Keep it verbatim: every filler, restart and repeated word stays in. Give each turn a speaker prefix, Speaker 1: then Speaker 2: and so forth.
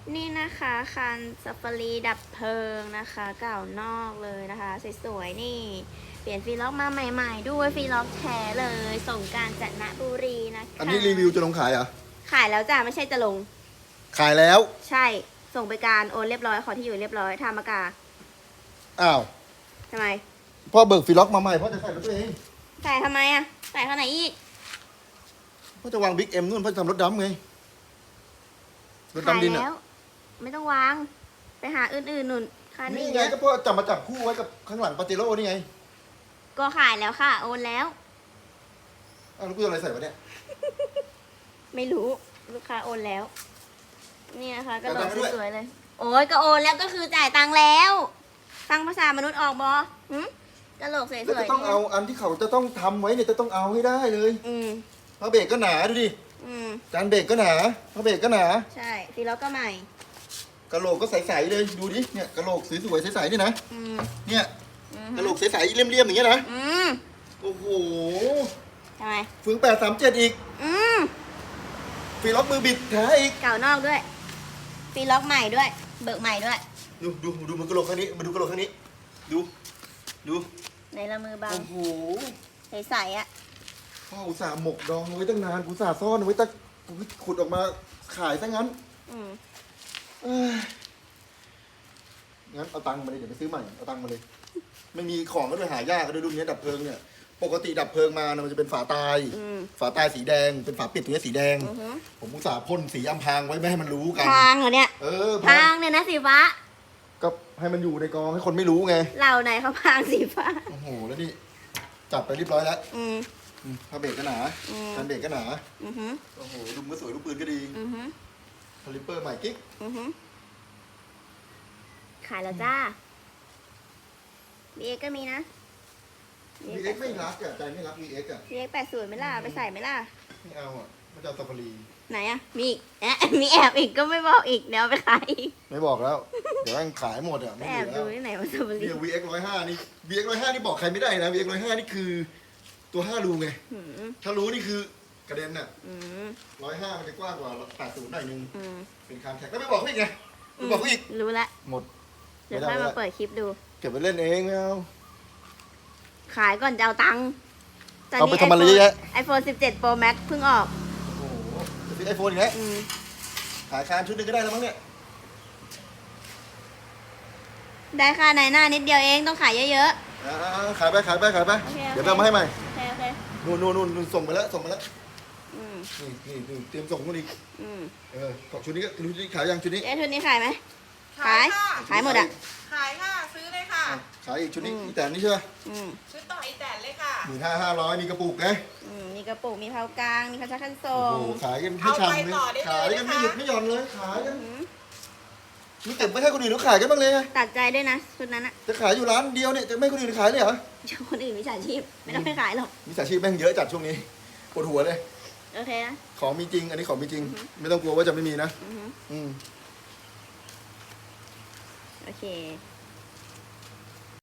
Speaker 1: นี่นะคะคันซาฟารีดับเพลิงนะคะ เก่านอกเลยนะคะสวยๆนี่ เปลี่ยนฟีล็อกมาใหม่ๆด้วยฟีล็อกแท้เลยส่งกรารจันทบุรีนะคะ
Speaker 2: อันนี้รีวิวจะลงขายเหรอ
Speaker 1: ขายแล้วจ้ะไม่ใช่จะลง
Speaker 2: ขายแล้ว
Speaker 1: ใช่ส่งไปการโอนเรียบร้อยขอที่อยู่เรียบร้อยทามากา
Speaker 2: อ้าว
Speaker 1: ทำไม
Speaker 2: พ่อเบิกฟีล็อกมาใหม่พ่อจะใส่รถตัวเอง
Speaker 1: ใส่ทำไมอ่ะใส่ข้างไหนอีก
Speaker 2: พ่อจะวางบิ๊กเอ็มนู่นพ่อจะทำรถดำไงรถดำดินอ่ะ
Speaker 1: ไม่ต้องวางไปหาอื่นๆนุ่นคันนี้
Speaker 2: นี่ไงก็พ่อจับมาจับคู่ไว้กับข้างหลังปาเจโร่นี่ไง
Speaker 1: ก็ขายแล้วค่ะโอนแล้ว
Speaker 2: อ้าวแล้วกูจะอะไรใส่วะเนี่ย
Speaker 1: ไม่รู้ลูกค้าโอนแล้วนี่นะคะก็โดนสวยๆเลยโอ้ยก็โอนแล้วก็คือจ่ายตังค์แล้วฟังภาษามนุษย์ออกบอหืมกระโหลกสวยๆ
Speaker 2: แล้วจะต้องเอาอันที่เขาจะต้องทำไว้เนี่ยจะต้องเอาให้ได้เลย
Speaker 1: อืม
Speaker 2: พระเบรกก็หนาดูดิ
Speaker 1: อืม
Speaker 2: จานเบรกก็หนาพระเบรกก็หนา
Speaker 1: ใช่ฟีล็อกก็ใหม่
Speaker 2: กระโหลกก็ใสๆเลยดูดิเนี่ยกระโหลกสวยๆใสๆนี่นะ
Speaker 1: อืม
Speaker 2: เนี่ยกระโหลกใสๆเลี่ยมๆอย่างเงี้ยนะ
Speaker 1: อืม
Speaker 2: โอ้โห
Speaker 1: ทำไม
Speaker 2: ฝืนแปดสามเจ็ดอีก
Speaker 1: อืม
Speaker 2: ฟีล็อกมือบิดแท้อีก
Speaker 1: เก่านอกด้วยฟีล็อกใหม่ด้วยเบิกใหม่ด้วย
Speaker 2: ดูดูดูมันกระโหลกข้างนี้มาดูกระโหลกข้างนี้ดูดู
Speaker 1: ในละมือบัง
Speaker 2: โอ้โห
Speaker 1: ใสๆอ่ะ
Speaker 2: พ่ออุตส่าห์หมกดองไว้ตั้งนานอุตส่าห์ซ่อนไว้ตั้งขุดออกมาขายซะงั้น
Speaker 1: อืม
Speaker 2: งั้นเอาตังค์มาเลยเดี๋ยวไปซื้อใหม่เอาตังค์มาเลยไม่มีของก็เลยหายากก็ด้วยรุ่นนี้ดับเพลิงเนี่ยปกติดับเพลิงมามันจะเป็นฝาตายฝาตายสีแดงเป็นฝาปิดตรงนี้สีแดงผมอุตส่าห์พ่นสีอำพรางไว้ไม่ให้มันรู้กัน
Speaker 1: พางเหรอเนี่ย
Speaker 2: เออ
Speaker 1: พางเนี่ยนะสีฟ้า
Speaker 2: ก็ให้มันอยู่ในกองให้คนไม่รู้ไง
Speaker 1: เหล่าไหนเขาพางสีฟ้า
Speaker 2: โอ้โหแล้วนี่จับไปเรียบร้อยแล้ว
Speaker 1: อืม
Speaker 2: ผ้าเบรกก็หนาคันเบรกก็หนา
Speaker 1: อือฮึ
Speaker 2: โอ้โหดุมก็สวยลูกปืนก็ดี
Speaker 1: อือฮึ
Speaker 2: คาลิปเปอร์ใหม่กิ๊ก
Speaker 1: อือฮึขายแล้วจ้าบีเอ็กก็มีนะ
Speaker 2: วีเอ็กไม่รักอ่ะใจไม่รักวีเอ็กอ่ะ
Speaker 1: บีเอ็กแปดศูนย์ไม่ล่ะไปใส่ไม่ล่ะ
Speaker 2: ไม่เอาอ่ะมันจะเอาซาฟารี
Speaker 1: ไหนอ่ะมีแอบมีแอบอีกก็ไม่บอกอีกเดี๋ยวไปขายอีก
Speaker 2: ไม่บอกแล้วเดี๋ยวแม่งขายหมดอ่ะ
Speaker 1: แอบดูที่ไหนว่าซาฟารี
Speaker 2: นี่วีเอ็กร้อยห้านี่วีเอ็กร้อยห้านี่บอกใครไม่ได้นะวีเอ็กร้อยห้านี่คือตัวห้ารูไงถ้ารู้นี่คือกระเด็นอ่ะร้อยห้ามันจะกว้างกว่าแปดศูนย์หน่อยนึงเป็นคานแท็กแล้วไม่บอกเขาอีกไงไม่บอกเขาอีก
Speaker 1: รู้ละ
Speaker 2: หมด
Speaker 1: เดี๋ยวค่อยมาเปิดคลิปดู
Speaker 2: เก็บไปเล่นเองไม่เอา
Speaker 1: ขายก่อนจะเอาตังค์
Speaker 2: เอาไปทำอะไรเยอะแยะ
Speaker 1: ไอโฟนสิบเจ็ด Pro Max เพิ่งออก
Speaker 2: โอ้โหจะซื้อไอโฟนอีกแล้วขายคานชุดนึงก็ได้แล้วมั้งเนี่ย
Speaker 1: ได้ค่าในหน้านิดเดียวเองต้องขายเยอะ
Speaker 2: ๆขายไปขายไปขายไปเดี๋ยวเอามาให้ใหม่นู่นนู่นนู่นส่งไปแล้วส่งไปแล้วนี่นี่เตรียมส่งนู่นอีกเออของชุดนี้ก็ชุดนี้ขายยังชุดนี้
Speaker 1: เอ๊ะชุดนี้ขายไหมขายขายหมดอ่ะ
Speaker 3: ขายค่ะซื้อเลยค่ะ
Speaker 2: ขายอีกชุดนี้อีแต่นี่ใช่ไหม
Speaker 3: ชุดต่ออีแต่เลยค่ะ
Speaker 2: หมื่นห้าห้าร้อยมีกระปุกไง
Speaker 1: มีกระปุกมีเผากลางมีกระชักขั้นทร
Speaker 2: งขายกันให้ช่ำเลยขายกันไม่หยุดไม่หย่อนเลยขายกันนี่เก็บไม่ให้คนอื่นเขาขายกันบ้างเลย
Speaker 1: ตัดใจด้วยนะชุดนั้นอะ
Speaker 2: จะขายอยู่ร้านเดียวเนี่ยจะไม่คนอื่นขายเลยเหรอ
Speaker 1: คนอื่นมิจฉาชีพไม่ต้องไปขายหรอก
Speaker 2: มิจฉาชีพแม่งเยอะจัดช่วงนี้ปวดหัวเลย
Speaker 1: โอเคนะ
Speaker 2: ของมีจริงอันนี้ของมีจริงไม่ต้องกลัวว่าจะไม่มีนะอืม
Speaker 1: โอเค